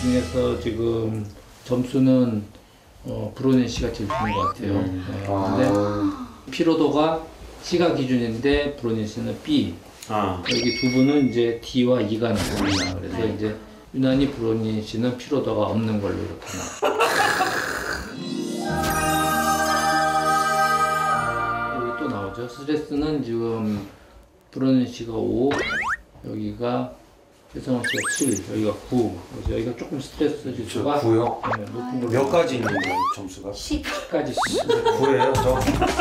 중에서 지금 점수는 브로닌 씨가 제일 좋은 것 같아요. 근데 피로도가 C가 기준인데 브로닌 씨는 B. 여기 두 분은 이제 D와 E가 나옵니다. 그래서 이제 유난히 브로닌 씨는 피로도가 없는 걸로 이렇게 나와요. 여기 또 나오죠. 스트레스는 지금 브로닌 씨가 5, 여기가 최성원 씨가 7, 여기가 9. 그래서 여기가 조금 스트레스 지수가 9요? 네, 높은 걸로. 몇 가지 있는 거예요, 점수가? 10까지. 9예요, 저?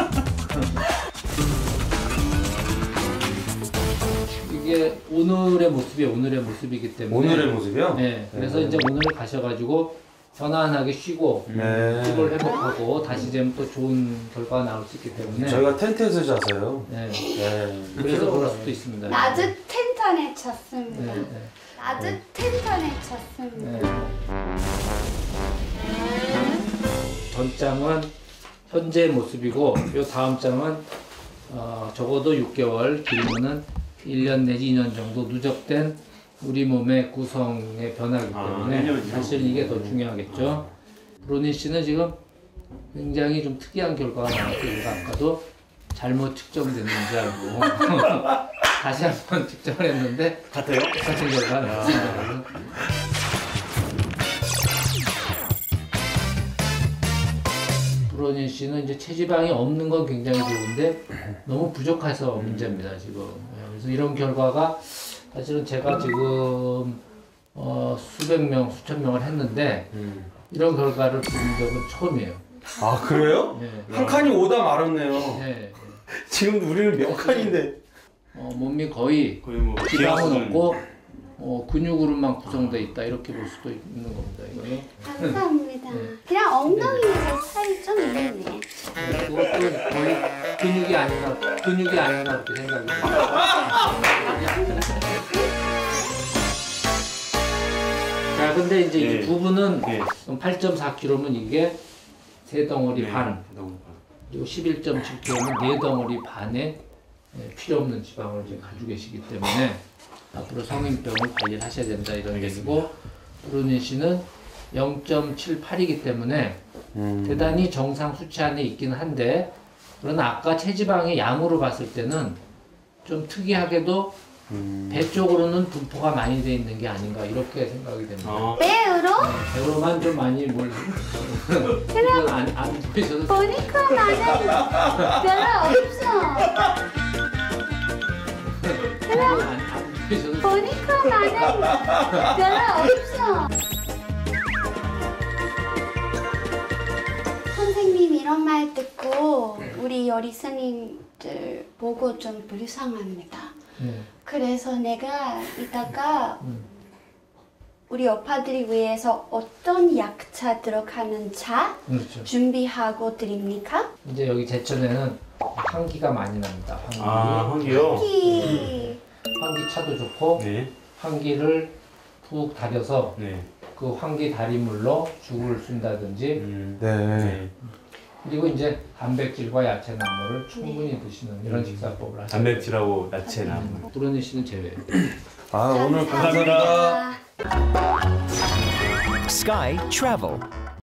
이게 오늘의 모습이기 때문에. 오늘의 모습이요? 네. 그래서 이제 오늘 가셔가지고 편안하게 쉬고 피부를 회복하고 다시 되면 또 좋은 결과가 나올 수 있기 때문에. 저희가 텐트에서 자서요. 네. 그래서 그럴 수도 있습니다. 나도 텐트에 잤습니다. 네. 나도 텐트에 잤습니다. 전 장은 현재 모습이고 요 다음 장은 적어도 6개월, 길면은 1년 내지 2년 정도 누적된 우리 몸의 구성의 변화이기 때문에 사실 이게 더 중요하겠죠. 브로닌 씨는 지금 굉장히 좀 특이한 결과가 나왔어요. 아까도 잘못 측정됐는지 알고 다시 한번 측정을 했는데 같아요? 똑같은 결과가 나왔습니다. 브로닌 씨는 이제 체지방이 없는 건 굉장히 좋은데 너무 부족해서 문제입니다 지금. 그래서 이런 결과가 사실은 제가 지금 수백 명, 수천 명을 했는데 이런 결과를 본 적은 처음이에요. 아, 그래요? 네. 한 칸이 오다 말았네요. 네. 지금 우리는 몇 칸인데? 몸이 거의 뭐 지방은 없고 근육으로만 구성되어 있다 이렇게 볼 수도 있는 겁니다. 이거는. 감사합니다. 그냥 엉덩이에서 살이 좀 있네. 그것도 거의 근육이 아닌가 그렇게 생각이 듭니다. 자, 근데 이제 이 부분은 8.4kg면 이게 3덩어리 반, 그리고 11.7kg면 4덩어리 반의 필요 없는 지방을 지금 가지고 계시기 때문에 앞으로 성인병을 관리를 하셔야 된다 이런 얘기고, 브로닌 씨는 0.78이기 때문에 대단히 정상 수치 안에 있긴 한데, 그러나 아까 체지방의 양으로 봤을 때는 좀 특이하게도 배 쪽으로는 분포가 많이 돼 있는 게 아닌가 이렇게 생각이 됩니다. 배우로? 배로만 좀 많이 뭘 그냥 안 보이셔도 보니까 나는 별로 없어. 그냥 안 보이셔도 보니까 나는 별로 없어. 선생님 이런 말 듣고 우리 요리 스님들 보고 좀 불쌍합니다. 그래서 내가 이따가 우리 오빠들이 위해서 어떤 약차 들어가는 차 그렇죠. 준비하고 드립니까? 이제 여기 제천에는 환기가 많이 납니다. 환기. 환기요? 환기 차도 좋고 환기를 푹 다려서 그 환기 다리물로 죽을 쓴다든지 그리고 이제 단백질과 야채나물을 충분히 드시는 이런 식사법을 하시면 단백질하고 야채나물. 브로닌 씨는 제외. 아, 오늘 감사합니다. Sky Travel.